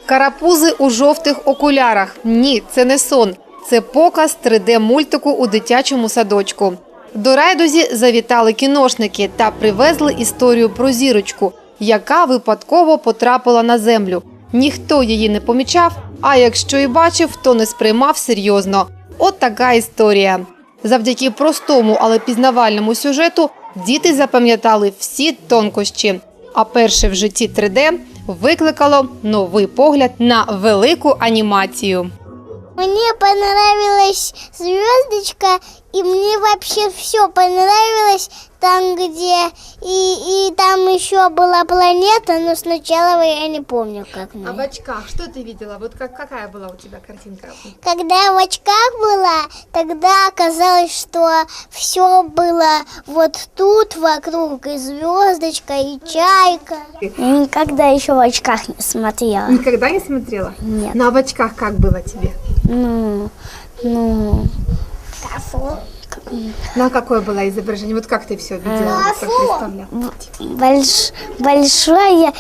Карапузи у жовтих окулярах. Ні, це не сон. Це показ 3D-мультику у дитячому садочку. До райдузі завітали кіношники та привезли історію про зірочку, яка випадково потрапила на землю. Ніхто її не помічав, а якщо і бачив, то не сприймав серйозно. От така історія. Завдяки простому, але пізнавальному сюжету діти запам'ятали всі тонкощі. А перше в житті 3D викликало новий погляд на велику анімацію. Мне понравилась звездочка, и мне вообще все понравилось там, где и там еще была планета, но сначала я не помню, как. А в очках что ты видела? Вот какая была у тебя картинка? Когда я в очках была, тогда оказалось, что все было вот тут вокруг, и звездочка, и чайка. Я никогда еще в очках не смотрела. Никогда не смотрела? Нет. Ну а в очках как было тебе? Ну а какое было изображение? Вот как ты все видела, как представляла? Большое,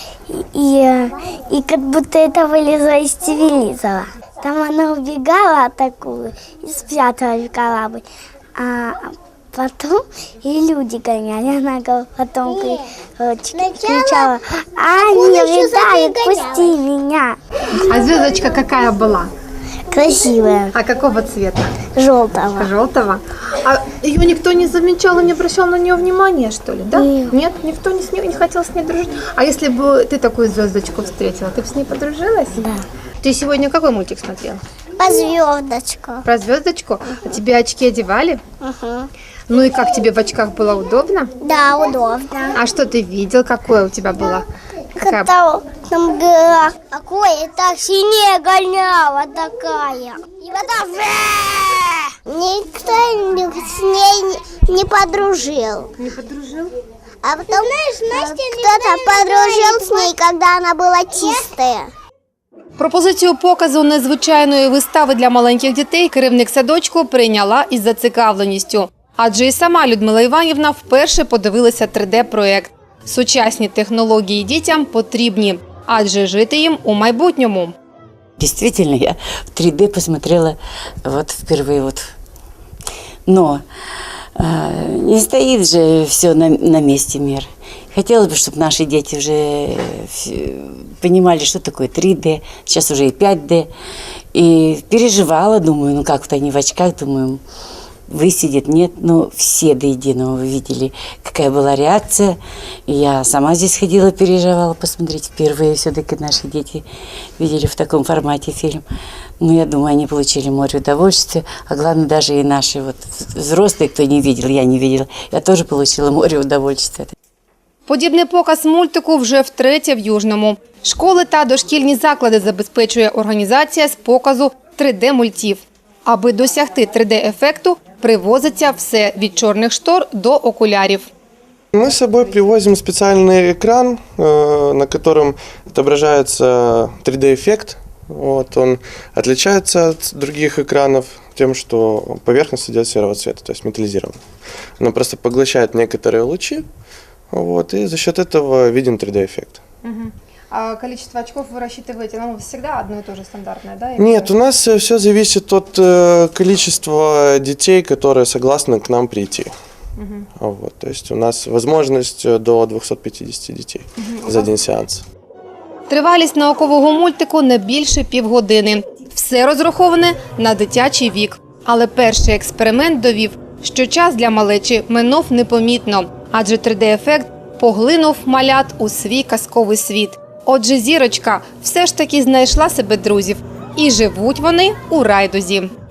и как будто это вылезло из телевизора. Там она убегала атакую и спряталась в корабль. А потом и люди гоняли. Она потом кричала: не улетай, отпусти меня. А звездочка какая была? Красивая. А какого цвета? Желтого. Желтого. А ее никто не замечал и не обращал на нее внимания, что ли, да? Нет, никто не хотел с ней дружить. А если бы ты такую звездочку встретила, ты бы с ней подружилась? Да. Ты сегодня какой мультик смотрела? По звездочку. Про звездочку? А тебе очки одевали? Ну и как тебе в очках было удобно? Да, удобно. А что ты видел? Какое у тебя было? Какая? Там гора. Какое так синее гоняла такая. И потом никто с ней не подружил. Не подружил? А потом кто-то подружил с ней, когда она была чистая. Пропозицію показу незвичайної вистави для маленьких дітей керівник садочку прийняла із зацікавленістю. Адже і сама Людмила Іванівна вперше подивилася 3D-проект. Сучасні технології дітям потрібні, адже жити їм у майбутньому. Действительно, я в 3D посмотрела вот впервые. Но не стоит же все на месте мир. Хотелось бы, чтобы наши дети уже понимали, что такое 3D, сейчас уже и 5D. И переживала, думаю, ну как-то они в очках, думаю, высидят, нет. Но все до единого видели, какая была реакция. И я сама здесь ходила, переживала посмотреть. Впервые все-таки наши дети видели в таком формате фильм. Ну, я думаю, они получили море удовольствия. А главное, даже и наши взрослые, кто не видел, я не видела, я тоже получила море удовольствия. Подібний показ мультику вже втретє в Южному. Школи та дошкільні заклади забезпечує організація з показу 3D-мультів. Аби досягти 3D-ефекту, привозиться все від чорних штор до окулярів. Мы с собой привозим специальный экран, на котором отображается 3D-эффект. Он отличается от других экранов тем, что поверхность идет серого цвета, то есть металлизирована. Она просто поглощает некоторые лучи, и за счет этого виден 3D-эффект. А количество очков вы рассчитываете, всегда одно и то же стандартное, да? Нет, у нас все зависит от количества детей, которые согласны к нам прийти. То есть у нас возможность до 250 детей за один сеанс. Тривалість наукового мультику не більше півгодини. Все розраховане на дитячий вік. Але перший експеримент довів, що час для малечі минув непомітно, адже 3D-ефект поглинув малят у свій казковий світ. Отже, зірочка все ж таки знайшла себе друзів. І живуть вони у райдузі.